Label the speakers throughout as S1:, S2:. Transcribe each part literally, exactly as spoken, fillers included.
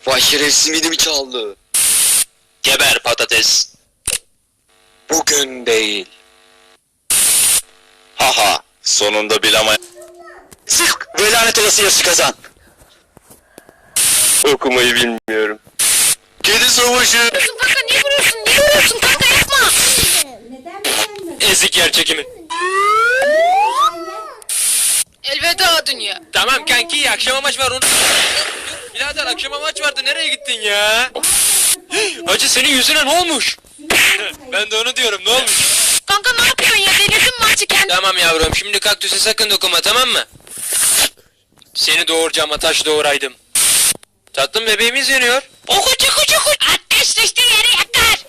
S1: Vay şeref simidimi çaldı.
S2: Geber patates.
S1: Bugün değil.
S2: Haha, sonunda bil ama...
S1: Sık ve lanet olası yarışı kazan.
S2: Okumayı bilmiyorum.
S1: Kedi savaşı.
S3: Kanka niye vuruyorsun? Niye vuruyorsun kanka yapma.
S2: Ezik yer çekimi.
S3: Elveda dünya.
S2: Tamam kanki, akşama maç var onu... Birader akşama maç vardı, nereye gittin ya? Hacı senin yüzüne ne olmuş? Ben de onu diyorum, ne olmuş?
S3: Kanka ne yapıyorsun ya? Delirdin maçı kendin.
S2: Tamam yavrum, şimdi kaktüse sakın dokunma, tamam mı? Seni doğuracağıma taş doğuraydım. Tatlım bebeğimiz yanıyor.
S3: Okucu kucu kucu. Ateş düştüğü yere yakar.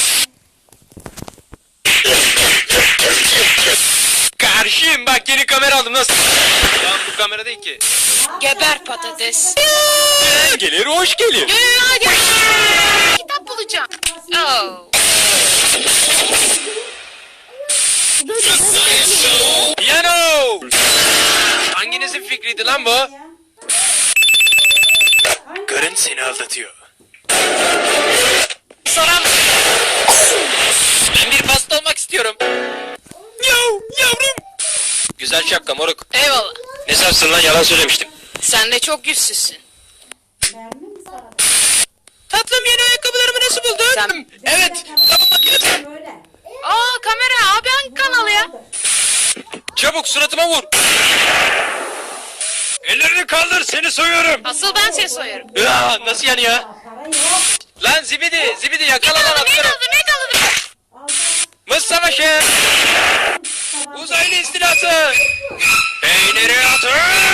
S2: Karşıyım, bak yeni kamera aldım, nasıl? Lan bu kamera değil ki.
S3: Geber patates.
S2: Gelir hoş gelir.
S3: Yo yo yo hadi. Kitap bulacağım. Oh.
S2: Piyano! Hanginizin fikriydi lan bu? Karın seni aldatıyor.
S3: Soran.
S2: Ben bir pasta olmak istiyorum. Yav yavrum. Güzel şapka moruk.
S3: Eyvallah.
S2: Ne sarsın lan, yalan söylemiştim.
S3: Sen de çok yüzsüzsün.
S2: Tatlım yeni ayakkabılarımı nasıl buldun?
S3: Sen-
S2: Evet. Tamam makinesi.
S3: Aa kamera abi hangi kanal ya?
S2: Çabuk suratıma vur. Ellerini kaldır, seni soyuyorum.
S3: Asıl ben seni soyarım.
S2: Ya, nasıl yani ya? Lan zibidi, zibidi yakala lan
S3: Ne
S2: atlarım.
S3: kaldı ne kaldı?
S2: Mız savaşı. Uzaylı istilası. Peyniri atın.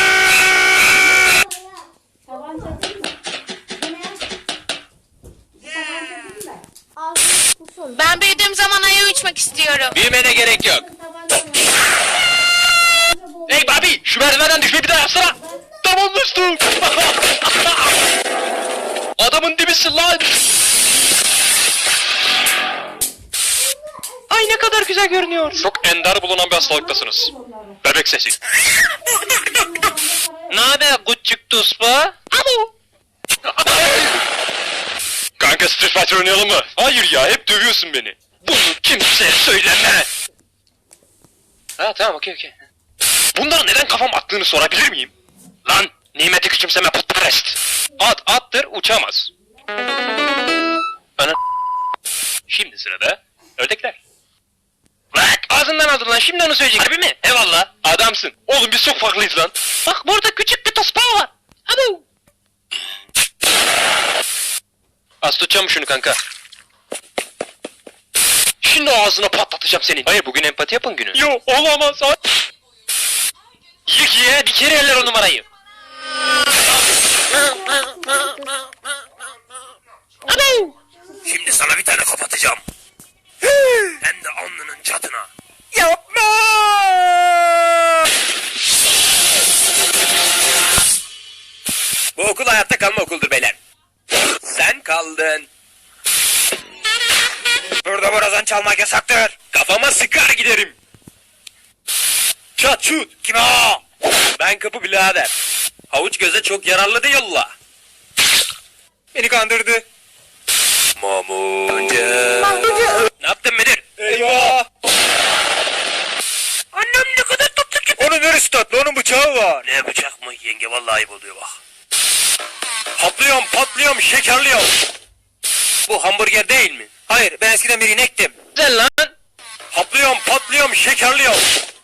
S3: Ben büyüdüğüm zaman aya uçmak istiyorum.
S2: Büyümene gerek yok. Hey Bobby, şu merdivenden düşmeyi bir daha yapsana. Tamam dostum. Adamın dibisin lan. Ay ne kadar güzel görünüyor. Çok ender bulunan bir hastalıktasınız. Bebek sesi. Ne haber küçük tuspa? Alo. Kanka Street Fighter oynayalım mı? Hayır ya, hep dövüyorsun beni. Bunu kimseye söyleme. Ha tamam, okey okey. Bunlara neden kafam attığını sorabilir miyim? Lan nimeti küçümseme putperest. At attır uçamaz. Ana. Şimdi sırada ördekler. Bak ağzından aldın lan, şimdi onu söyleyecek. Harbi mi? Eyvallah. Adamsın. Oğlum biz çok farklıyız lan. Bak burada küçük bir tospa var. Abo. Az tutacağım şunu kanka. Şimdi ağzına patlatacağım senin. Hayır bugün empati yapın günü. Yo olamaz. Yık ye bir kere eller o numarayı. Abo. Şimdi sana bir tane kapatacağım. Hem de alnının çatına. Yapma. Bu okul hayatta kalma okuldur beyler. Sen kaldın. Burada borazan çalmak yasaktır. Kafama sıkar giderim. Çat şut. Kim o? Ben kapı birader. Havuç göze çok yararlı diyorlar. Beni kandırdı. Mamuca. Ne yaptın müdür? Eyvah. Annem ne kadar tatlı ki. Onun neresi tatlı? Onun bıçağı var. Ne bıçak mı? Yenge vallahi ayıp oluyor bak. Haplıyorum, patlıyorum, şekerliyorum. Bu hamburger değil mi? Hayır, ben eskiden bir inektim. Güzel lan. Haplıyorum, patlıyorum, şekerliyorum.